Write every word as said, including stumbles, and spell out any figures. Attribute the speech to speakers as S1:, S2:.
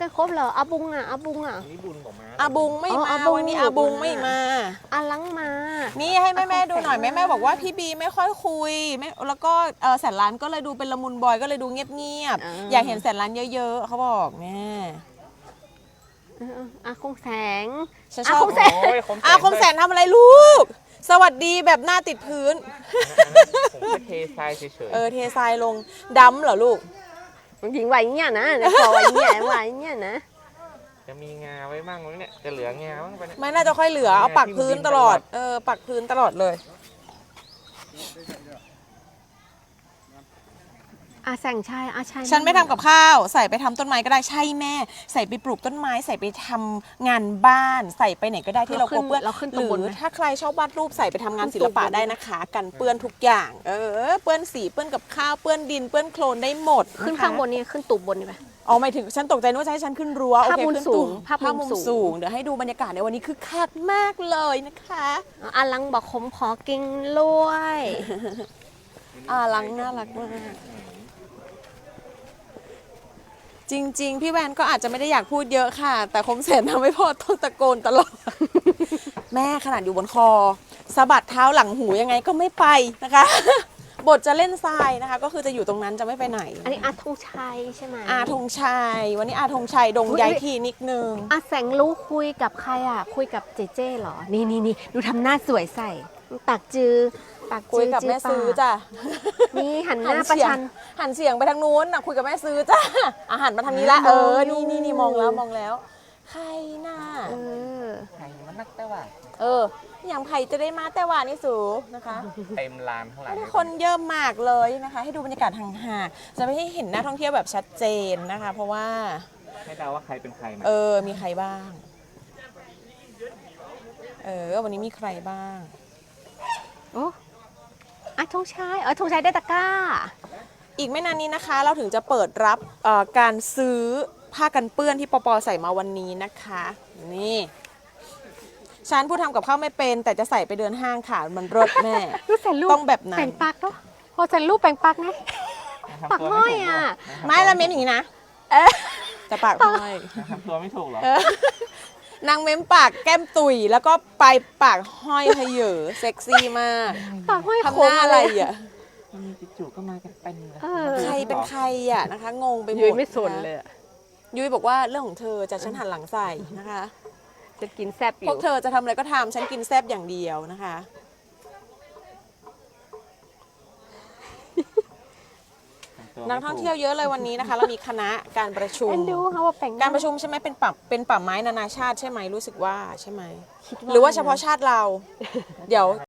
S1: ได้ครบเหรออาบุงอ่ะอาบุงอ่ะ
S2: นี่บุญของม้า
S3: อาบุงไม่
S1: อ๋อ
S3: มา
S1: อาบุง
S3: วันนี้
S1: อยู่
S3: อาบุง
S1: บน
S3: ไม่มา
S1: อาลังมา
S3: นี่ให้แม่แม่
S1: อาคง
S3: ดูหน่อย
S1: แสน
S3: แม่แม่บอกว่าพี่บีไม่ค่อยคุยไม่แล้วก็เออแสนล้านก็เลยดูเป็นละมุนบอยก็เลยดูเงียบๆอยากเห็นแสนล้านเยอะๆเขาบอกแม่
S1: เอออาคงแสง
S3: ฉัน
S1: อา
S3: ชอบ
S1: คงแสง
S2: โอ้ยคม
S3: อาคมแสนทำอะไรลูก สวัสดีแบบหน้าติดพื้น
S2: ผมก็เททรายเฉย
S3: เออเททรายลงดำเหรอลูก
S1: หญิงไหวเนี่ยนะเดี๋ยวขอไหวเนี่ยไหวเนี่ยนะ
S2: ๆจะมีงาไว้บ้างไหมเนี่ยจะเหลืองาบ้างปะเนี่ย
S3: ไม่น่าจะค่อยเหลือเอาปักพื้นตลอดเออปักพื้นตลอดเลย
S1: อาแสงชัยอาชัย
S3: ฉันไม่ทำกับข้าวใส่ไปทำต้นไม้ก็ได้ใช่แม่ ใส่ไปปลูกต้นไม้ใส่ไปทำงานบ้านใส่ไปไหนก็ได้ที่เรากลัวเปื้อน
S1: เราขึ้น
S3: ห
S1: ตำบล
S3: รือ
S1: ไหม
S3: ถ้าใครชอบวาดรูปใส่ไปทำงานศิลปะ
S1: ขึ้นตำบล
S3: ได้นะคะ กันเปื้อนทุกอย่าง เออเปื้อนสีเปื้อนกับข้าวเปื้อนดินเปื้อนโคลนได้หมด
S1: ขึ้น
S3: นะคะ
S1: ข้างบนนี่ขึ้นตูบบนนี่ไหม
S3: อ๋อหมายถึงฉันตกใจนึกว่าจะให้ฉันขึ้นรั้วโอ
S1: ภาพ
S3: เค
S1: มุม
S3: ขึ้น
S1: สู
S3: ตู
S1: ง
S3: บ
S1: ภาพมุม
S3: มุม
S1: สูง
S3: สูงเดี๋ยวให้ดูบรรยากาศในวันนี้คือคักมากเลยนะคะ
S1: อาลังบอกผมขอกินล้วย
S3: อ่าลังน่ารักมากจริง ๆ พี่แวนก็อาจจะไม่ได้อยากพูดเยอะค่ะ แต่คมเสนทำให้พ่อต้องตะโกนตลอด แม่ขนาดอยู่บนคอสะบัดเท้าหลังหูยังไงก็ไม่ไปนะคะ บทจะเล่นทรายนะคะ ก็คือจะอยู่ตรงนั้นจะไม่ไปไหน
S1: อันนี้อาธงชัยใช่ไหม
S3: อาธงชัยวันนี้อาธงชัยดง
S1: อุ๊ย
S3: ย้ายที่นิดนึง
S1: อาแสงรู้คุยกับใครอ่ะ คุยกับเจเจเหรอ นี่นี่นี่ดูทำหน้าสวยใส่ปากจือปากจื
S3: คุยกับแม่ซื้อจ้ะ
S1: นี่หันห
S3: หัน
S1: น้าประ
S3: เสียง
S1: ชัน
S3: หันเสียงไปทางนู้นนะคุยกับแม่ซื้อจ้ะอาหันมาทางนี้ละ
S1: อ่า
S3: เออ
S1: มองอยู่
S3: นี่นี่นี่มองแล้วมองแล้ว ใครน่ะ
S1: เออ
S2: ไข่มันนักแต่ว่า
S3: เออ อย่างไผ่จะได้มาแต่ว่านี่สูนะคะ
S2: เต็มลานข้างหลัง
S3: ไม่ได้คนเยอะมากเลยนะคะ ให้ดูบรรยากาศห่างๆจะไม่ให้เห็นนักท่องเที่ยวแบบชัดเจนนะคะ เพราะว่า
S2: ให้เดาว่าใครเป็นใครไหม
S3: เออ มีใครบ้าง เออ วันนี้มีใครบ้าง
S1: โอ้อาธงชัยเออธงชัยได้ตะกร้า
S3: อีกไม่นานนี้นะคะ เราถึงจะเปิดรับเอ่อการซื้อผ้ากันเปื้อนที่ปปใส่มาวันนี้นะคะ นี่ ฉันผู้ทำกับข้าวไม่เป็น แต่จะใส่ไปเดินห้างค่ะ มันรสแม่
S1: รูปแสนรูป
S3: ต้องแบบนั้น
S1: แป่งปักเนาะพอแสนรูปแป่งปักไง
S2: ทำ
S1: ปาก
S2: ตัว
S1: ห้อย
S2: ถูกหร
S1: อ่ะ
S3: ไม่ละเม้มอย่างนี้นะ
S1: เอ๊ะ
S3: จะปากห้อย
S2: ทำตัวไม่ถูกเหรอ
S3: นางเม้มปากแก้มตุยแล้วก็ปลายปากห้อยเพเยอเซ็กซี่มาก
S1: ปากห้อย
S3: ทำ
S1: โค้
S3: ห
S1: ง
S3: น้า
S1: อะ
S3: อะไร ไร
S1: อ่ะ
S3: อ่ะ
S2: มันมีจู่ๆก็มากันเป็นเลย
S1: เออ
S3: ใครเป็นใครอ่ะนะคะ งงไปหมด
S1: ยุ้ยไม่สนเลยอะ
S3: ยุ้ยบอกว่าเรื่องของเธอจะฉันหันหลังใส่นะคะ
S1: จะกินแซ่บอ
S3: พว
S1: ยู่
S3: กเธอจะทำอะไรก็ทำฉันกินแซบอย่างเดียวนะคะ นักท่องเที่ยวเยอะเลยวันนี้นะคะ เรามีคณะการประชุม
S1: เอ็นดูเขาว่าแป่ง
S3: การประชุมใช่ไหมเป็นป่าเป็นป่าไม้นานาชาติใช่ไหมรู้สึกว่าใช่ไหม
S1: คิด
S3: หรือว่าเฉพาะชาติเรา เดี๋ยว